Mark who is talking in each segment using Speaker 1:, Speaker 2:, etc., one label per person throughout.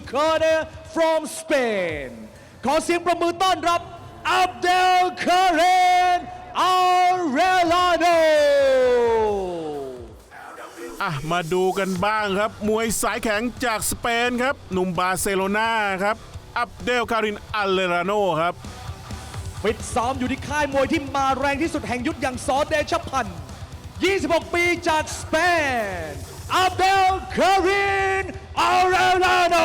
Speaker 1: corner from Spain ขอเสียงประมือต้อนรับ Abdelkarim Arellano
Speaker 2: มาดูกันบ้างครับมวยสายแข็งจากสเปนครับหนุ่มบาร์เซโลนาครับอับเดลคารินอัลเลราโนครับ
Speaker 1: ฟิตซ้อมอยู่ที่ค่ายมวยที่มาแรงที่สุดแห่งยุทธอย่างซอเดชพันธ์26 ปีจากสเปน Abdelkarim Arellano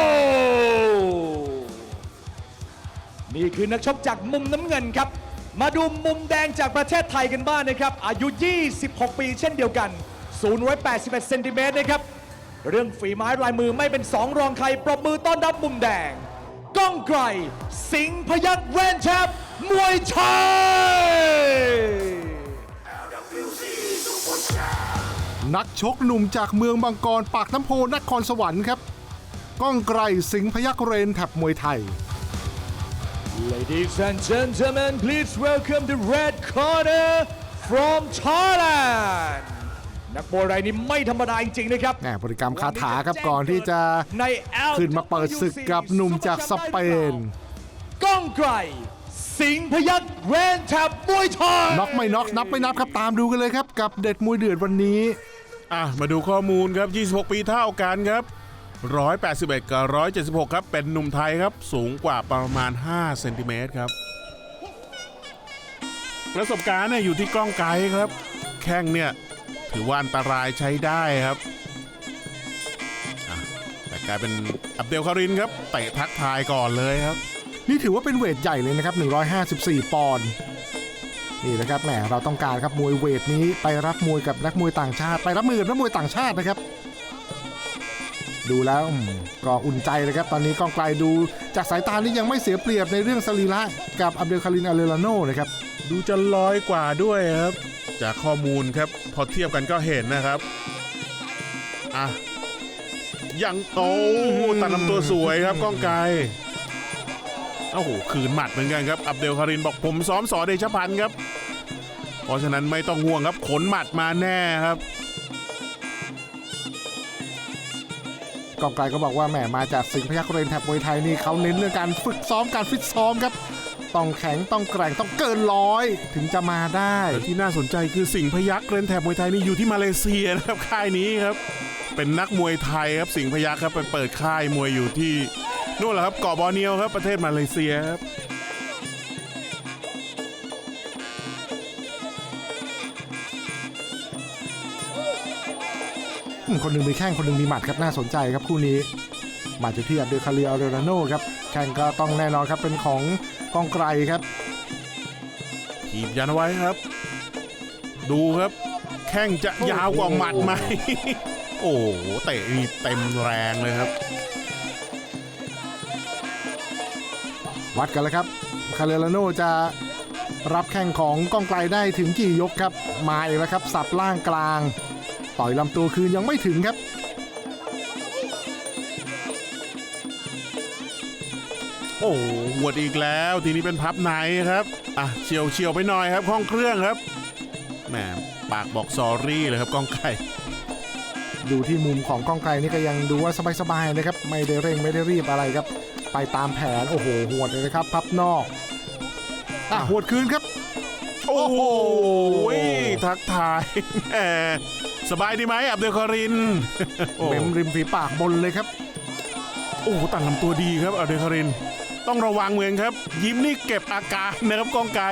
Speaker 1: นี่คือนักชกจากมุมน้ำเงินครับมาดูมุมแดงจากประเทศไทยกันบ้างนะครับอายุ 26 ปีเช่นเดียวกันสูง181 เซนติเมตรนะครับเรื่องฝีไม้ลายมือไม่เป็นสองรองใครปรบมือต้อนรับมุมแดงก้องไกรสิงห์พยัคฆ์แวนแชมป์มวยไทย
Speaker 3: นักชกหนุ่มจากเมืองบางกรปากน้ำโพนครสวรรค์ครับก้องไกรสิงห์พยัคฆ์เรนแถบมวยไทย
Speaker 1: Ladies and gentlemen, please welcome the red corner from Thailand นักมวยรายนี้ไม่ธรรมดาจริงๆนะครับ
Speaker 3: บริกรรมคาถาครับก่อนที่จะขึ้นมาเปิดศึกกับหนุ่มจากสเปน
Speaker 1: ก้องไกรสิงห์พยัคฆ์แวนแถบมวยไทย
Speaker 3: น็อกไม่น็อกนับไม่นับครับตามดูกันเลยครับกับเด็ดมวยเดือดวันนี้
Speaker 2: มาดูข้อมูลครับ26 ปีเท่ากันครับ181กับ176ครับเป็นหนุ่มไทยครับสูงกว่าประมาณ5เซนติเมตรครับประสบการณ์เนี่ยอยู่ที่ก้องไกรครับแข้งเนี่ยถือว่าอันตรายใช้ได้ครับแต่กลายเป็นอับเดลคารินครับเตะทักทายก่อนเลยครับ
Speaker 3: นี่ถือว่าเป็นเวทใหญ่เลยนะครับ154 ปอนด์นี่นะครับแหมเราต้องการครับมวยเวทนี้ไปรับมวยกับนักมวยต่างชาติไปรับมือกับนักมวยต่างชาตินะครับดูแล้วก็อุ่นใจเลยครับตอนนี้ก้องไกลดูจากสายตานี่ยังไม่เสียเปรียบในเรื่องสรีระกับอับเดลคารินอาเลราโนนะครับ
Speaker 2: ดูจะลอยกว่าด้วยครับจากข้อมูลครับพอเทียบกันก็เห็นนะครับยังโตตัดลำตัวสวยครับก้องไกรโอ้โหคืนหมัดเหมือนกันครับอับเดลคารินบอกผมซ้อมสอเดชพันธ์ครับเพราะฉะนั้นไม่ต้องห่วงครับขนหมัดมาแน่ครับ
Speaker 3: ก้องไกรก็บอกว่าแหมมาจากสิงห์พยัคฆ์เรนแถบมวยไทยนี่เขาเน้นเรื่องการฝึกซ้อมการฟิตซ้อมครับต้องแข็งต้องแกร่งต้องเกิน100ถึงจะมาได้
Speaker 2: ที่น่าสนใจคือสิงห์พยัคฆ์เรนแถบมวยไทยนี่อยู่ที่มาเลเซียนะครับค่ายนี้ครับเป็นนักมวยไทยครับสิงห์พยัคฆ์ครับไปเปิดค่ายมวยอยู่ที่นู่นแหละครับเกาะบอร์เนียวครับประเทศมาเลเซียครับ
Speaker 3: คนหนึ่งมีแข้งคนหนึ่งมีหมัดครับน่าสนใจครับคู่นี้มาจากที่อับเดลคารินอาเลราโนครับแข้งก็ต้องแน่นอนครับเป็นของก้องไกรครับ
Speaker 2: ถีบยันไว้ครับดูครับแข้งจะยาวกว่าหมัดไหมโอ้โหเตะนี่เต็มแรงเลยครับ
Speaker 3: วัดกันแล้วครับคาเลราโนจะรับแข้งของก้องไกรได้ถึงกี่ยกครับมาอีกแล้วครับสับล่างกลางต่อยลำตัวคืนยังไม่ถึงครับ
Speaker 2: โอ้หวดอีกแล้วทีนี้เป็นพับในครับเฉียวไปหน่อยครับห้องเครื่องครับแหมปากบอกซอรี่เลยครับก้องไกร
Speaker 3: ดูที่มุมของก้องไกรนี่ก็ยังดูว่าสบายๆนะครับไม่ได้เร่งไม่ได้รีบอะไรครับไปตามแผนโอ้โหหวดเลยนะครับพับนอกหวดคืนครับ
Speaker 2: โอ้โหทักทายแหมสบายดีไหมอับเดลคาริน
Speaker 3: เม้มริมฝีปากบนเลยครับ
Speaker 2: โอ้ตัดลำตัวดีครับอับเดลคารินต้องระวังเหมือนครับยิ้มนี่เก็บอาการนะครับก้องไกร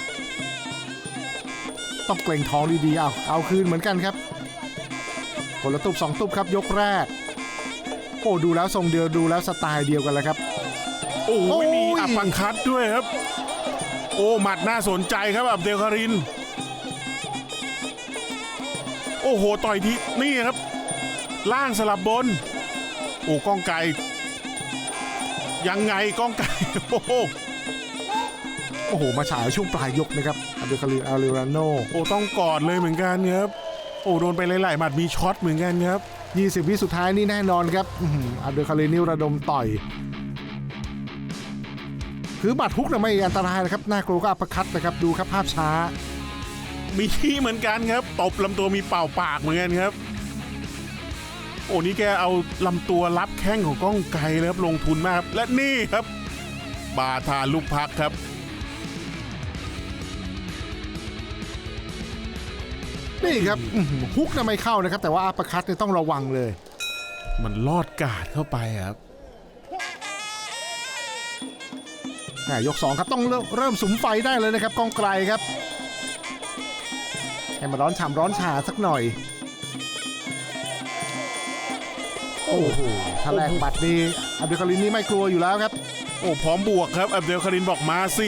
Speaker 3: ต้องเกรงท้องดีๆเอาคืนเหมือนกันครับคนละตุบ2ตุบครับยกแรกโอ้ดูแล้วทรงเดียวดูแล้วสไตล์เดียวกันแล้วครับ
Speaker 2: โอ้มีอัปปังคัดด้วยครับโอ้หมัดน่าสนใจครับอับเดลคารินโอ้โหต่อยทีนี่ครับล่างสลับบนโอ้ก้องไกรยังไงก้องไกรโอ้
Speaker 3: โหมาฉายช่วงปลายยกนะครับอับเดลคารินอาเลราโน
Speaker 2: โอ้ต้องกอดเลยเหมือนกันครับโอ้โดนไปหลายๆหมัดมีช็อตเหมือนกันครับ
Speaker 3: 20 วิสุดท้ายนี่แน่นอนครับอับเดลคารินนี่ระดมต่อยคือหมัดฮุกไม่อันตรายนะครับน่ากลัวก็อัปเปอร์คัตนะครับดูครับภาพช้า
Speaker 2: มีที่เหมือนกันครับตบลำตัวมีเป่าปากเหมือนกันครับโอ้นี่แกเอาลำตัวรับแข้งของก้องไกรเลยครับลงทุนมากครับและนี่ครับบาทาลูกพักครับ
Speaker 3: นี่ครับฮุกน่ะไม่เข้านะครับแต่ว่าอัปเปอร์คัตเนี่ยต้องระวังเลย
Speaker 2: มันลอดกาดเข้าไปครับ
Speaker 3: ยก 2 ครับต้องเริ่มสุมไฟได้เลยนะครับก้องไกรครับให้มาร้อนฉ่ำร้อนฉาสักหน่อยโอ้โหถ้าแลกบัตรนี่อับดุลคาริมนี่ไม่กลัวอยู่แล้วครับ
Speaker 2: โอ้พร้อมบวกครับอับเดลคารินบอกมาสิ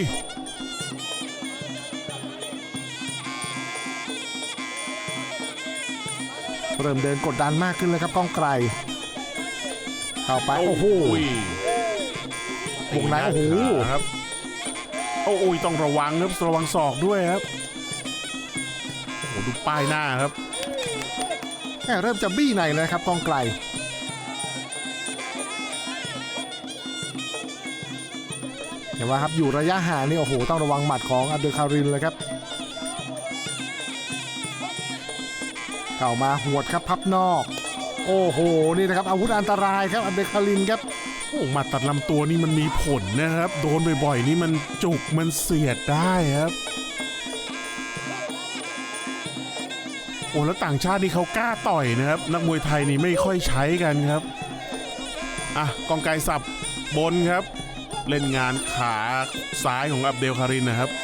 Speaker 3: เริ่มเดินกดดันมากขึ้นเลยครับก้องไกรเข้าไปโอ้โหวงในโอ้โห
Speaker 2: ครับโอ้ยต้องระวังครับระวังศอกด้วยครับโอ้โหดูป้ายหน้าครับ
Speaker 3: เริ่มจะบี้ในเลยครับก้องไกรเห็นว่าครับอยู่ระยะห่างนี่โอ้โหต้องระวังหมัดของอับดุลคาริมเลยครับเข้ามาหวดครับพับนอกโอ้โหนี่นะครับอาวุธอันตรายครับอับดุลคาริมครับ
Speaker 2: โอ้หมัดตัดลำตัวนี่มันมีผลนะครับโดนบ่อยๆนี่มันจุกมันเสียดได้ครับโอ้แล้วต่างชาตินี่เขากล้าต่อยนะครับนักมวยไทยนี่ไม่ค่อยใช้กันครับอ่ะกองไกรสับบนครับเล่นงานขาซ้ายของอับเดลคารินนะครับ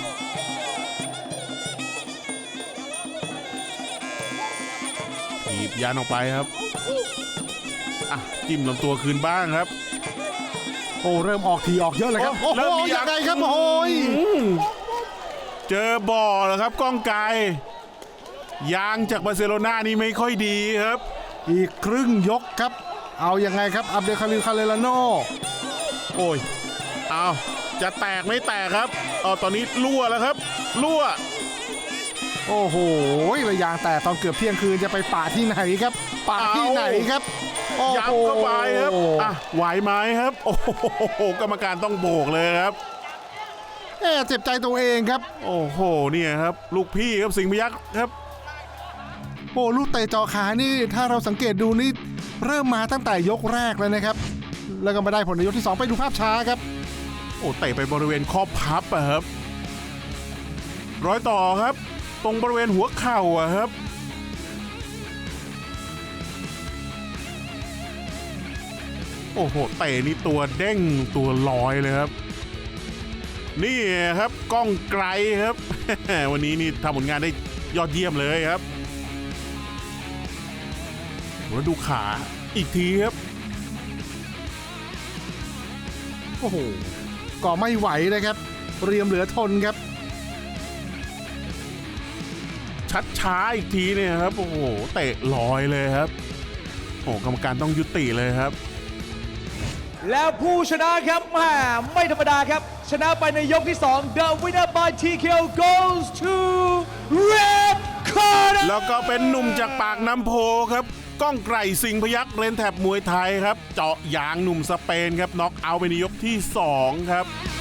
Speaker 2: ถีบยันออกไปครับอ่ะจิ้มลำตัวคืนบ้างครับ
Speaker 3: โอ้เริ่มออกทีออกเยอะเลยครับโอ้โหยังไงครับโอ้ย
Speaker 2: เจอบ่อแล้วครับก้องไกรยางจากบาร์เซโลนานี่ไม่ค่อยดีครับ
Speaker 3: อีกครึ่งยกครับเอายังไงครับอับดุลคาริมคาเลลาโน
Speaker 2: โอ้ยเอาจะแตกไม่แตกครับตอนนี้รั่วแล้วครับรั่ว
Speaker 3: โอ้โหระยางแต่ตอนเกือบเที่ยงคืนจะไปป่าที่ไหนครับป่าที่ไหนครับ
Speaker 2: ยับเข้าไปครับอ่ะไหวไหมครับโอ้โหกรรมการต้องโบกเลยครับ
Speaker 3: เจ็บใจตัวเองครับ
Speaker 2: โอ้โหเนี่ยครับลูกพี่ครับสิงห์พยัคฆ์ครับ
Speaker 3: โอ้ลูกเตะจ่อขานี่ถ้าเราสังเกตดูนี่เริ่มมาตั้งแต่ยกแรกเลยนะครับแล้วก็มาได้ผลในยกที่2ไปดูภาพช้าครับ
Speaker 2: โอ้เตะไปบริเวณข้อพับอะครับร้อยต่อครับตรงบริเวณหัวเข่าอะครับโอ้โหเตะนี่ตัวเด้งตัวลอยเลยครับนี่ครับก้องไกรครับ วันนี้นี่ทำผลงานได้ยอดเยี่ยมเลยครับแล้วดูขาอีกทีครับ
Speaker 3: โอ้โหก็ไม่ไหวนะครับเรียมเหลือทนครับ
Speaker 2: ชัดช้าอีกทีเนี่ยครับโอ้โหเตะลอยเลยครับโอ้กรรมการต้องยุติเลยครับ
Speaker 1: แล้วผู้ชนะครับไม่ธรรมดาครับชนะไปในยกที่2 The winner by TKO goes to Red Corner
Speaker 2: แล้วก็เป็นหนุ่มจากปากน้ำโพครับก้องไกรสิงห์พยัคฆ์เรนแถบมวยไทยครับเจาะยางหนุ่มสเปนครับน็อกเอาท์ไปในยกที่2ครับ